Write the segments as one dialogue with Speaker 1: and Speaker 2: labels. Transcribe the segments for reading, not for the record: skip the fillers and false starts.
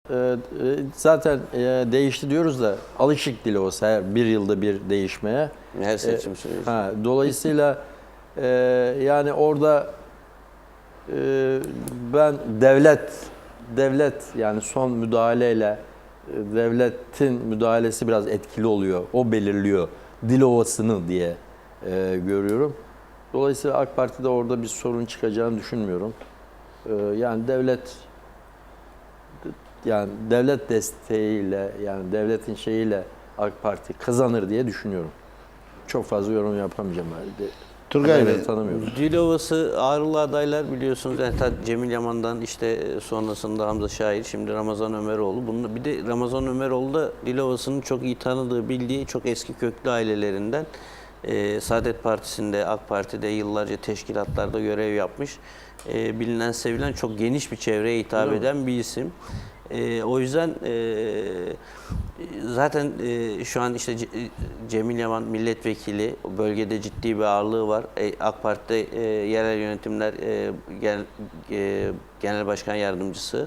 Speaker 1: Zaten değişti diyoruz da alışık Dilovası her bir yılda bir değişmeye.
Speaker 2: Her seçim süreci.
Speaker 1: Dolayısıyla yani orada ben devlet yani son müdahaleyle devletin müdahalesi biraz etkili oluyor. O belirliyor Dilovası'nı diye görüyorum. Dolayısıyla AK Parti'de orada bir sorun çıkacağını düşünmüyorum. Yani devlet desteğiyle yani devletin şeyiyle AK Parti kazanır diye düşünüyorum. Çok fazla yorum yapamayacağım.
Speaker 3: Turgay Bey,
Speaker 1: tanımıyorum.
Speaker 2: Dilovası ağırlı adaylar biliyorsunuz. Yani Cemil Yaman'dan işte sonrasında Hamza Şair, şimdi Ramazan Ömeroğlu. Bir de Ramazan Ömeroğlu da Dilovası'nın çok iyi tanıdığı, bildiği çok eski köklü ailelerinden. Saadet Partisi'nde, AK Parti'de yıllarca teşkilatlarda görev yapmış. Bilinen, sevilen çok geniş bir çevreye hitap eden bir isim. O yüzden zaten şu an işte Cemil Yaman milletvekili, bölgede ciddi bir ağırlığı var. AK Parti'de yerel yönetimler genel başkan yardımcısı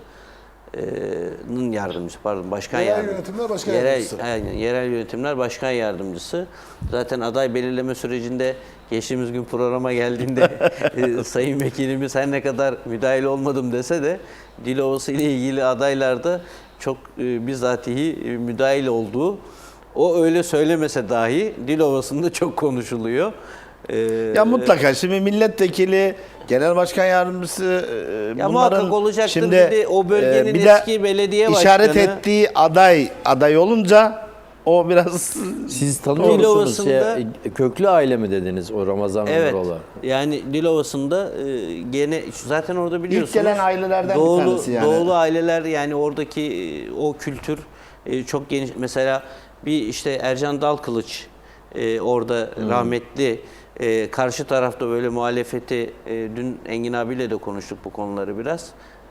Speaker 2: başkan
Speaker 4: yerel yönetimler başkan yardımcısı.
Speaker 2: Aynen, yerel yönetimler başkan yardımcısı. Zaten aday belirleme sürecinde geçtiğimiz gün programa geldiğinde sayın vekilimiz her ne kadar müdahil olmadım dese de Dilovası ile ilgili adaylarda çok bizatihi müdahil olduğu, o öyle söylemese dahi Dilovası'nda çok konuşuluyor.
Speaker 3: ya mutlaka şimdi milletvekili, genel başkan yardımcısı
Speaker 2: Ya
Speaker 3: bunların
Speaker 2: muhakkak olacaktır.
Speaker 3: şimdi
Speaker 2: Bir de o bölgenin
Speaker 3: bir de
Speaker 2: eski belediye başkanı
Speaker 3: işaret ettiği aday olunca o biraz
Speaker 1: Siz tanıyor musunuz?
Speaker 2: Dilovası'nda
Speaker 1: Köklü aile mi dediniz o Ramazan
Speaker 2: evet.
Speaker 1: Ömeroğlu?
Speaker 2: Yani Dilovası'nda gene zaten orada biliyorsunuz.
Speaker 3: İlk gelen ailelerden bir tanesi yani.
Speaker 2: Doğulu aileler, yani oradaki o kültür çok geniş. Mesela bir işte Ercan Dalkılıç orada rahmetli, karşı tarafta böyle muhalefeti, dün Engin abiyle de konuştuk bu konuları biraz,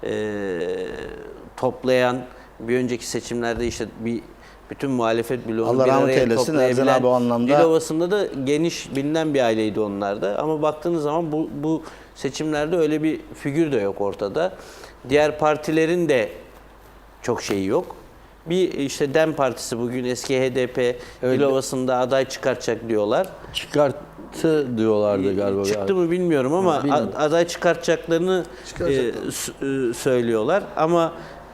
Speaker 2: toplayan, bir önceki seçimlerde işte bütün muhalefet bloğunu
Speaker 3: Allah
Speaker 2: bir
Speaker 3: rahmet
Speaker 2: araya
Speaker 3: eylesin,
Speaker 2: toplayabilen,
Speaker 3: Ercan abi o anlamda.
Speaker 2: Dilovası'nda da geniş bilinen bir aileydi onlar da. Ama baktığınız zaman bu seçimlerde öyle bir figür de yok ortada. Diğer partilerin de çok şeyi yok. Bir işte DEM Partisi bugün eski HDP Dilovası'nda aday çıkartacak diyorlar.
Speaker 1: Çıkarttı diyorlardı galiba.
Speaker 2: Çıktı mı bilmiyorum ama
Speaker 1: Bilmiyorum.
Speaker 2: aday çıkartacaklarını söylüyorlar. Ama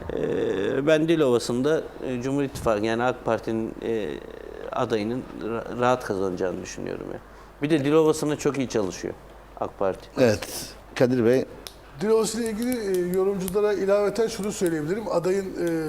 Speaker 2: ben Dilovası'nda Cumhur İttifakı yani AK Parti'nin adayının rahat kazanacağını düşünüyorum ya. Bir de Dilovası'na çok iyi çalışıyor AK Parti.
Speaker 3: evet Kadir Bey.
Speaker 4: Dilovası ile ilgili yorumculara ilaveten şunu söyleyebilirim. Adayın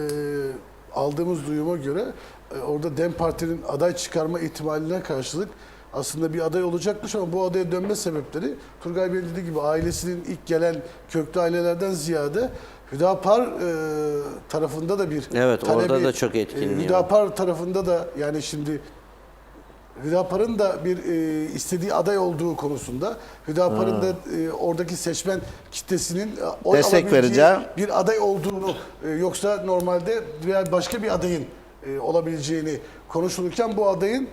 Speaker 4: aldığımız duyuma göre orada DEM Parti'nin aday çıkarma ihtimaline karşılık aslında bir aday olacakmış ama bu adaya dönme sebepleri Turgay Bey'in dediği gibi ailesinin ilk gelen köklü ailelerden ziyade Hüdapar tarafında da bir
Speaker 2: Evet,
Speaker 4: talebi,
Speaker 2: orada da çok etkinliği var.
Speaker 4: Hüdapar tarafında da yani şimdi Hüdapar'ın da bir istediği aday olduğu konusunda Hüdapar'ın da oradaki seçmen kitlesinin oy
Speaker 3: Destek
Speaker 4: alabileceği
Speaker 3: vereceği
Speaker 4: bir aday olduğunu yoksa normalde diğer başka bir adayın olabileceğini konuşulurken bu adayın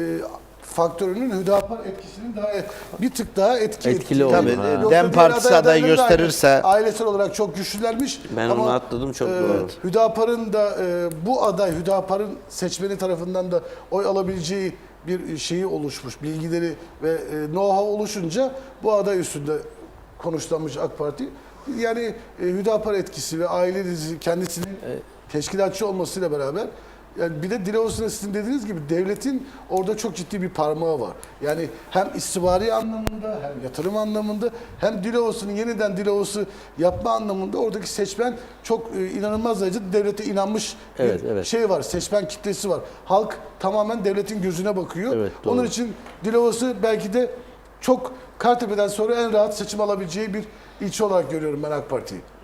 Speaker 4: faktörünün Hüdapar etkisinin daha bir tık daha
Speaker 1: Etkili olduğu.
Speaker 3: Tabii,
Speaker 4: Yoksa
Speaker 3: DEM
Speaker 4: diğer
Speaker 3: Partisi aday
Speaker 4: adaylardan da
Speaker 3: gösterirse
Speaker 4: ailesel olarak çok güçlülermiş.
Speaker 2: Ben onu atladım, çok doğru.
Speaker 4: Hüdapar'ın da bu aday Hüdapar'ın seçmeni tarafından da oy alabileceği bir şeyi oluşmuş, bilgileri ve know-how oluşunca bu aday üstünde konuşlanmış AK Parti. Yani Hüdapar etkisi ve aile dizisi kendisinin teşkilatçı olmasıyla beraber yani bir de Dilovası'nda sizin dediğiniz gibi devletin orada çok ciddi bir parmağı var. Yani hem istihbari anlamında hem yatırım anlamında hem Dilovası'nın yeniden Dilovası yapma anlamında oradaki seçmen çok inanılmaz derecede devlete inanmış bir şey var. Seçmen kitlesi var. Halk tamamen devletin gözüne bakıyor.
Speaker 1: Evet, doğru.
Speaker 4: Onun için Dilovası belki de çok Kartepe'den sonra en rahat seçim alabileceği bir ilçe olarak görüyorum ben AK Parti'yi.